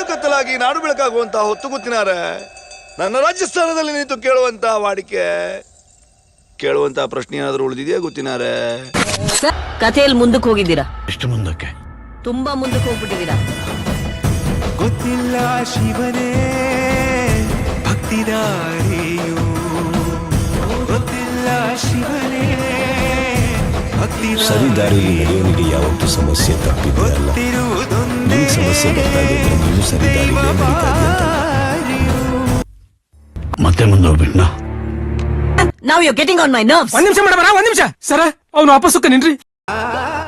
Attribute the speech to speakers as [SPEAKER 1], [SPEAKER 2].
[SPEAKER 1] ಹಾಡು ಕತ್ತಲಾಗಿ ನಾಡು ಬೆಳಕಾಗುವಂತಹ ಹೊತ್ತು ಗೊತ್ತಿನಾರೆ ನನ್ನ ರಾಜಸ್ಥಾನದಲ್ಲಿ ನಿಂತು ಕೇಳುವಂತಹ ವಾಡಿಕೆ ಕೇಳುವಂತಹ ಪ್ರಶ್ನೆ ಏನಾದರೂ ಉಳಿದಿದೆಯಾ ಗೊತ್ತಿನಾರೆ?
[SPEAKER 2] ಕಥೆಯಲ್ಲಿ ಮುಂದಕ್ಕೆ ಹೋಗಿದ್ದೀರಾ?
[SPEAKER 3] ಎಷ್ಟು ಮುಂದಕ್ಕೆ?
[SPEAKER 2] ತುಂಬಾ ಮುಂದಕ್ಕೆ ಹೋಗ್ಬಿಟ್ಟಿದ್ದೀರಾ.
[SPEAKER 4] ಗೊತ್ತಿಲ್ಲ ಶಿವನೇ ಭಕ್ತಿದಾರಿಯು, ಗೊತ್ತಿಲ್ಲ ಶಿವನೇ
[SPEAKER 5] ಸರಿ ದಾರಿಯಲ್ಲಿ ನಡೆಯೋನಿಗೆ ಯಾವತ್ತೂ ಸಮಸ್ಯೆ ತಪ್ಪಿದ್ದಲ್ಲ. ನಿಮಗೆ ಸಮಸ್ಯೆ ಬರ್ತಾ ಇದೆ, ನೀವು ಸರಿ ದಾರಿಯಲ್ಲೇ ನಡೀತಾ ಇದೆಯಾ?
[SPEAKER 3] ಮತ್ತೆ ಮುಂದೆ ಹೋಗ್ಬಿಟ್ನಾ?
[SPEAKER 2] Now you're getting on my nerves.
[SPEAKER 6] ಒಂದ್ ನಿಮಿಷ ಮೇಡಮ್, ಒಂದ್ ನಿಮಿಷ ಸರ, ಅವ್ನು ವಾಪಸ್ಸಕ್ಕೆ ನಿನ್ರಿ.